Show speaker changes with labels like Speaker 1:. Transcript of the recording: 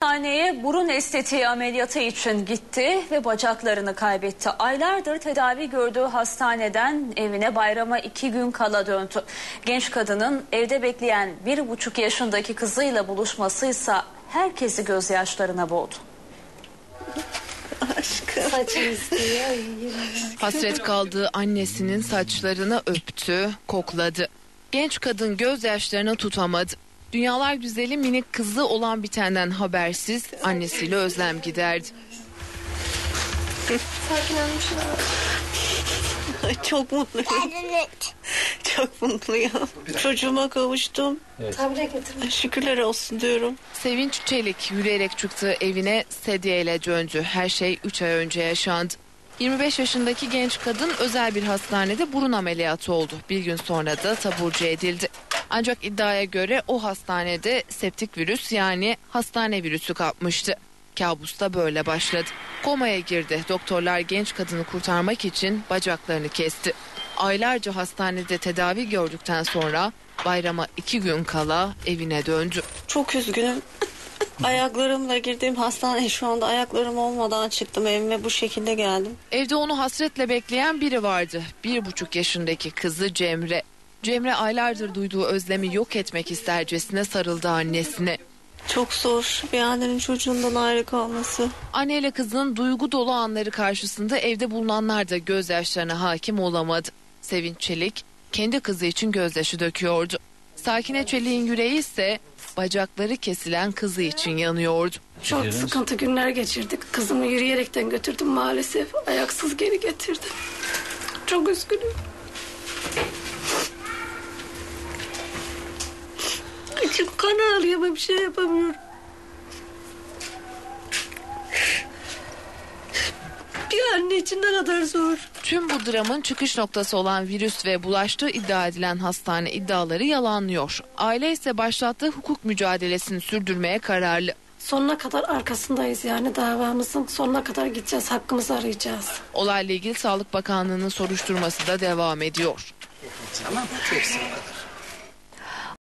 Speaker 1: Hastaneye burun estetiği ameliyatı için gitti ve bacaklarını kaybetti. Aylardır tedavi gördüğü hastaneden evine bayrama 2 gün kala döndü. Genç kadının evde bekleyen 1,5 yaşındaki kızıyla buluşmasıysa herkesi gözyaşlarına boğdu.
Speaker 2: Hasret kaldığı annesinin saçlarını öptü, kokladı. Genç kadın gözyaşlarını tutamadı. Dünyalar güzeli minik kızı olan bitenden habersiz annesiyle özlem giderdi.
Speaker 3: Sakin olmuşlar.
Speaker 4: Çok mutluyum. Çok mutluyum. Çocuğuma kavuştum.
Speaker 3: Evet. Tabre getirdim.
Speaker 4: Şükürler olsun diyorum.
Speaker 2: Sevinç Çelik yürüyerek çıktığı evine sedyeyle döndü. Her şey 3 ay önce yaşandı. 25 yaşındaki genç kadın özel bir hastanede burun ameliyatı oldu. Bir gün sonra da taburcu edildi. Ancak iddiaya göre o hastanede septik virüs yani hastane virüsü kapmıştı. Kabus da böyle başladı. Komaya girdi. Doktorlar genç kadını kurtarmak için bacaklarını kesti. Aylarca hastanede tedavi gördükten sonra bayrama 2 gün kala evine döndü.
Speaker 4: Çok üzgünüm. Ayaklarımla girdiğim hastaneye şu anda ayaklarım olmadan çıktım evime, bu şekilde geldim.
Speaker 2: Evde onu hasretle bekleyen biri vardı. 1,5 yaşındaki kızı Cemre. Cemre aylardır duyduğu özlemi yok etmek istercesine sarıldı annesine.
Speaker 4: Çok zor bir annenin çocuğundan ayrı kalması.
Speaker 2: Anneyle kızının duygu dolu anları karşısında evde bulunanlar da gözyaşlarına hakim olamadı. Sevinç Çelik kendi kızı için gözyaşı döküyordu. Sakine Çelik'in yüreği ise bacakları kesilen kızı için yanıyordu.
Speaker 3: Çok sıkıntı günler geçirdik. Kızımı yürüyerekten götürdüm maalesef. Ayaksız geri getirdim. Çok üzgünüm. İçim kan ağlıyor ama bir şey yapamıyorum. Bir anne için ne kadar zor.
Speaker 2: Tüm bu dramın çıkış noktası olan virüs ve bulaştığı iddia edilen hastane iddiaları yalanlıyor. Aile ise başlattığı hukuk mücadelesini sürdürmeye kararlı.
Speaker 3: Sonuna kadar arkasındayız yani davamızın. Sonuna kadar gideceğiz, hakkımızı arayacağız.
Speaker 2: Olayla ilgili Sağlık Bakanlığı'nın soruşturması da devam ediyor.
Speaker 5: Tamam, çok sağ ol.